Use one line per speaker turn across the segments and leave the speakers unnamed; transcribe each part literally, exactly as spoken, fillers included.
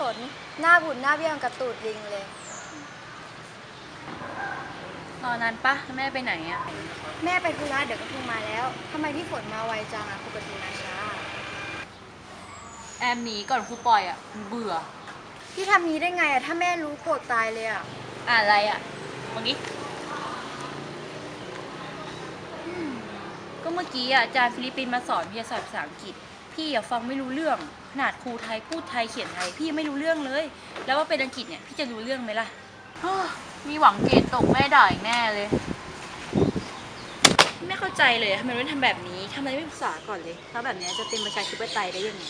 นหน้าบุญหน้าเบี้ยงกระตูดลิงเลย
ตอนนั้นปะแม่ไปไหนอะ
แม่ไปธุระเดี๋ยวก็คงมาแล้วทำไมพี่ฝนมาไวจังอะปกติมาช้า
แอมหนีก่อนครูปล่อยอะเบื่อ
พี่ทำนี้ได้ไงอะถ้าแม่รู้โกรธตายเลยอะ
อ่านอะไรอะเมื่อกี้ก็เมื่อกี้อะอาจารย์ฟิลิปปินส์มาสอนวิทยาศาสตร์ภาษาอังกฤษพี่อะฟังไม่รู้เรื่องขนาดครูไทยพูดไทยเขียนไทยพี่ไม่รู้เรื่องเลยแล้วว่าเป็นอังกฤษเนี่ยพี่จะรู้เรื่องไหมล่ะมีหวังเกรดตกแม่ด่าอีกแน่เลยไม่เข้าใจเลยทำไมไม่ทำแบบนี้ทำไมไม่ศึกษาก่อนเลยถ้าแบบนี้จะเป็นประชาธิปไตยได้ยังไง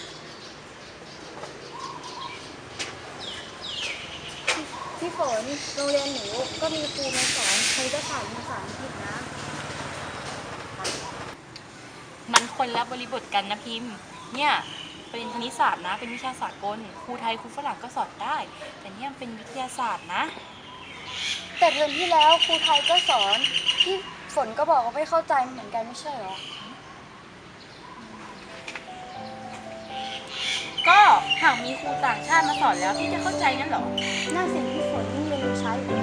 พี่ฝนโรงเรียนหนูก็มีครูมาสอนครูจะสอนภาษาอังกฤษนะ
มันคนละบริบทกันนะพิมพ์เนี่ยเป็นคณิตศาสตร์นะเป็นวิชาสากลครูไทยครูฝรั่งก็สอนได้แต่เนี่ยเป็นวิทยาศาสตร์นะ
แต่เทอมที่แล้วครูไทยก็สอนพี่ฝนก็บอกว่าไม่เข้าใจเหมือนกันไม่ใช่หรอ
ก็หากมีครูต่างชาติมาสอนแล้วพี่จะเข้าใจงั้นหรอ
น่าเสียพี่ฝนยิ่งเรียนรู้ช้าอยู่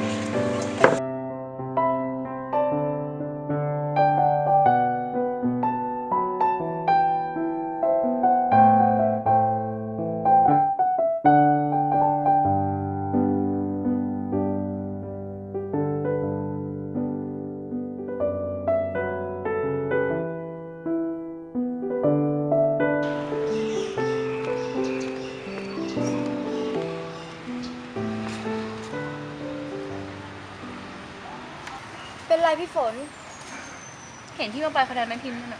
เป็นไรพี่ฝน
เห็นที่มาไปคะแนนไม่พิมพ์นั่นน่ะ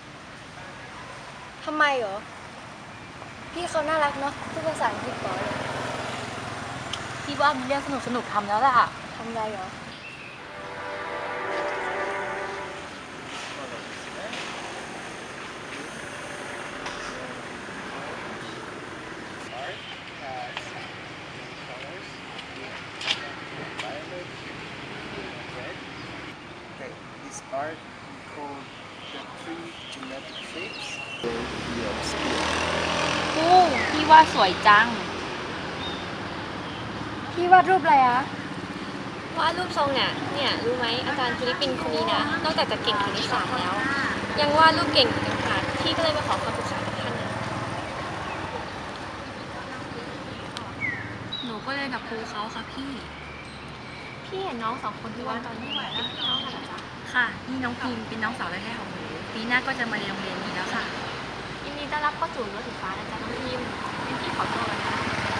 ทำไมเหรอพี่เขาน่ารักเนาะพูดภาษาอังกฤษก่อนเลย
พี่ว่ามีเรื่องสนุกสนุกทำแล้วล่ะ
ทำไรเหรอ
Art called the three genetic shapes.
คู่พี่ว่าสวยจัง
พี่วาดรูปอะไรอะ
วาดรูปทรงเนี่ยเนี่ยรู้ไหมอาจารย์ฟิลิปปินส์คนนี้นะนอกจากจะเก่งคณิตศาสตร์แล้วยังวาดรูปเก่งอีกต่างหากพี่ก็เลยมาขอคำปรึกษาจากท่านนะ
หนูก็เรียนกับครูเขาค่ะพี่
พี่เห็นน้องสองคนที่วาดตอนนี้เป็นพี่น้องกันเหรอจ๊ะ
ค่ะนี่น้องพิมเป็นน้องสาวแท้ๆของหนูปีหน้าก็จะมาเรียนโรงเรียนนี้แล้วค่ะ
ยินดีต้อนรับเข้าสู่รั้วสีฟ้านะจ๊ะน้องพิมเป็นพี่ขอตัวแล้วนะ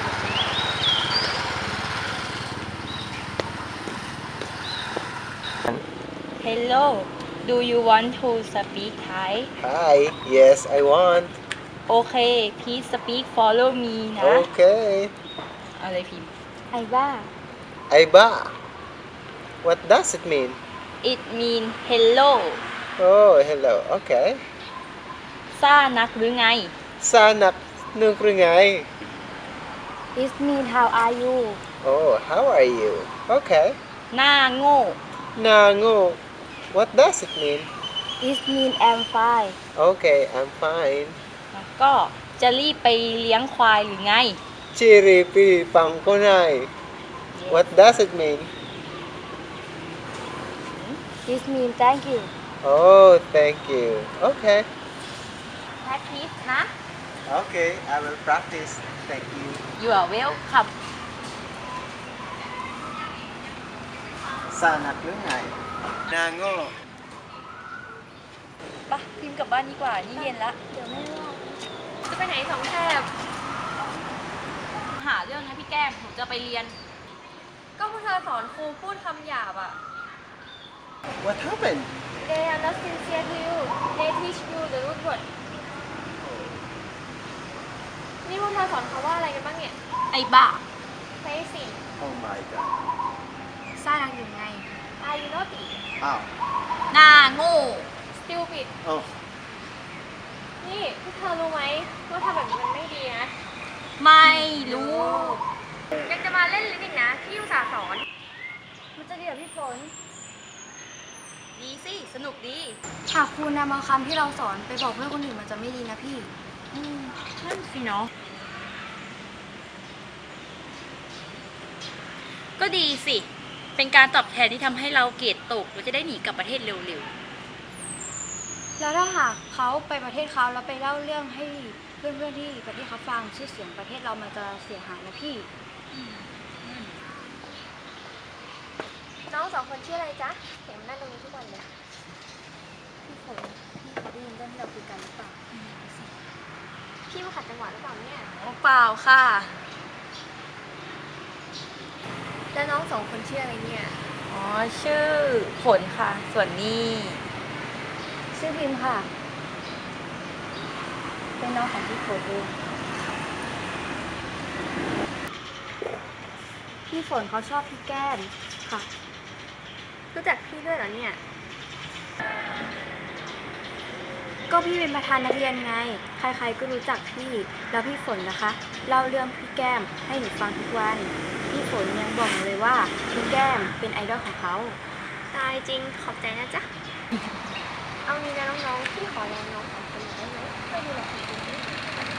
Hello do you want to speak Thai
Hi, yes, I want.
Okay please speak follow me นะ
Okay.
อะไรพิม
ไอ้บ้า
Aiba. What does it mean?
It mean hello
Oh, hello. Okay.
ซ่านักหรือไง
Sanak nungkrungay.
It mean how are you
Oh, how are you? Okay.
หน้าโง่
Nango. What does it mean?
It mean I'm fine
Okay, I'm fine.
แล้วก็จะรีบไปเลี้ยงควายหรือไง
Chiripi pangkunay. What does it mean?
It mean thank you
Oh, thank you. Okay.
practice นะ
Okay, I will practice. Thank you.
You are welcome
Sanak lungay. Nango.
ปะพิมพ์กลับบ้านดีกว่านี่เย็นละ
เดี๋ยวแม่ว่า
จะไปไหนสองแถบ
หาเรื่องนะพี่แก้มหนูจะไปเรียน
ก็พวกเธอสอนครูพูดคำหยาบอ่ะ
What happened?
They are not sincere to you They teach you the root word นี่พวกเธอสอนเขาว่าอะไรกันบ้างเนี่ย
ไอ้บ้า
Crazy
Oh my god.
ซ่านักอยู่ไง
Are you naughty
Ow.
หน้าโง่
Stupid
Oh.
นี่พวกเธอรู้ไหมว่าทำแบบนี้มันไม่ดีนะ
ไม่รู้
ยังจะมาเล่นลิ้นอีกนะที่อุตส่าห์สอน
มันจะเดี๋ยวพี่ฝน
ดีสิสนุกดี
หากครูนำเอาคำที่เราสอนไปบอกเพื่อนคนอื่นมันจะไม่ดีนะพี่
อืมนั่นสิเนาะก็ดีสิ เป็นการตอบแทนที่ทำให้เราเกรดตกเราจะได้หนีกลับประเทศเร็ว
แล้วถ้าหากเขาไปประเทศเขาแล้วไปเล่าเรื่องให้เพื่อนๆที่ประเทศเขาฟังชื่อเสียงประเทศเรามันจะเสียหายนะพี่
น้องสองคนชื่ออะไรจ๊ะเห็นนั่งตรงนี้ทุกวันเลย
พี่ฝนพี่เขาได้ยินเรื่องที่เราคุยกันหรือเปล่า
พี่มาขัดจังหวะหรือเปล่าเนี่ย
ๆโอ้เปล่าค่ะ
แล้วน้องสองคนชื่ออะไรเนี่ย
อ๋อ ชื่อฝนค่ะ ส่วนนี้
ชื่อพิมพ์ค่ะ เป็นน้องของพี่ฝนเองพี่ฝนเขาชอบพี่แก้มค่ะ
รู้จักพี่ด้วยเหรอเนี่ย
ก็พี่เป็นประธานนักเรียนไง ใครๆก็รู้จักพี่ แล้วพี่ฝนนะคะ เล่าเรื่องพี่แก้มให้หนูฟังทุกวัน พี่ฝนยังบอกหนูเลยว่าพี่แก้มเป็นไอดอลของเขา
ตายจริงขอบใจนะจ๊ะ เอางี้นะน้องๆพี่ขอลองน้องสองคนหน่อยได้ไหมไม่ดูแลคนอื่นด้วย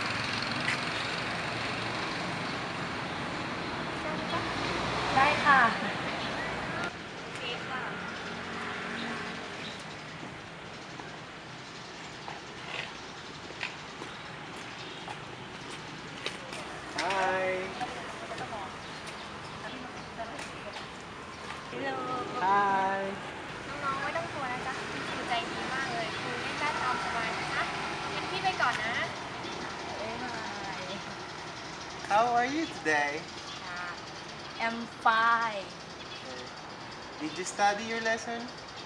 ได้ไหมจ๊ะ
ได้ค่ะ
โอเคค่ะ
Hi. Hi.
น้องๆไม่ต้องกลัวนะจ๊ะครูใจดีมากเลยครูเล่นได้ตามสบายนะคะงั้นพี่ไปก่อนนะ
How are you today?
I'm fine
Did you study your lesson?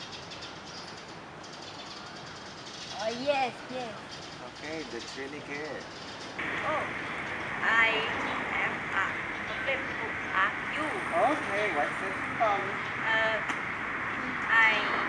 oh yes yes
Okay, that's really good.
oh I am a problem to ask you
Okay, what's the problem?
uh, I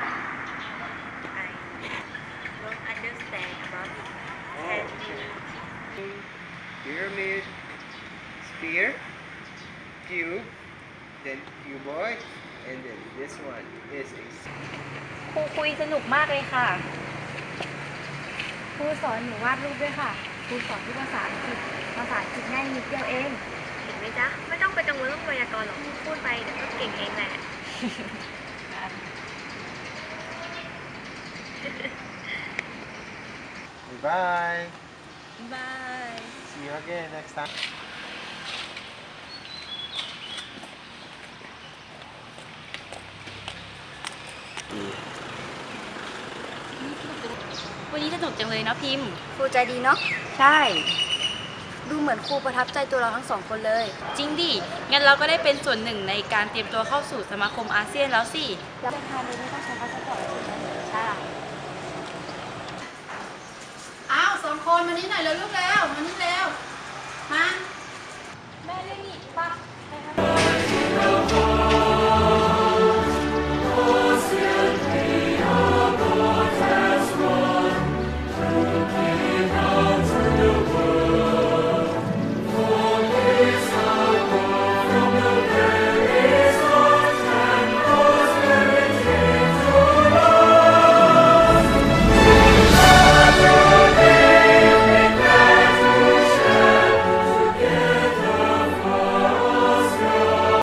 I don't understand about it can you
Pyramid, sphere, cube, then cuboid, and then this one is a
ครูคุยสนุกมากเลยค่ะ
ครูสอนหนูวาดรูปด้วยค่ะ ครูสอนที่ภาษาอังกฤษ ภาษาอังกฤษง่ายนิดเดียวเอง
เห็นไหมจ๊ะ ไม่ต้องไปกังวลเรื่องไวยากรณ์หรอกพูดไปเดี๋ยวก็เก่งเองแหละ
Bye.
bye
See you again next time.
วันนี้สนุกจังเลยเนาะพิมพ์
ครูใจดีเนาะ ใช่ ดูเหมือนครูประทับใจตัวเราทั้งสองคนเลย
จริงดิ งั้นเราก็ได้เป็นส่วนหนึ่งในการเตรียมตัวเข้าสู่สมาคมอาเซียนแล้วสิ
แล้วประธานโดยไม่ต้องใช้พาสปอร์ตถูกไหมใช่
อ้าวสองคนมานี่หน่อยเร็วลูกแล้วมานี่เร็วมา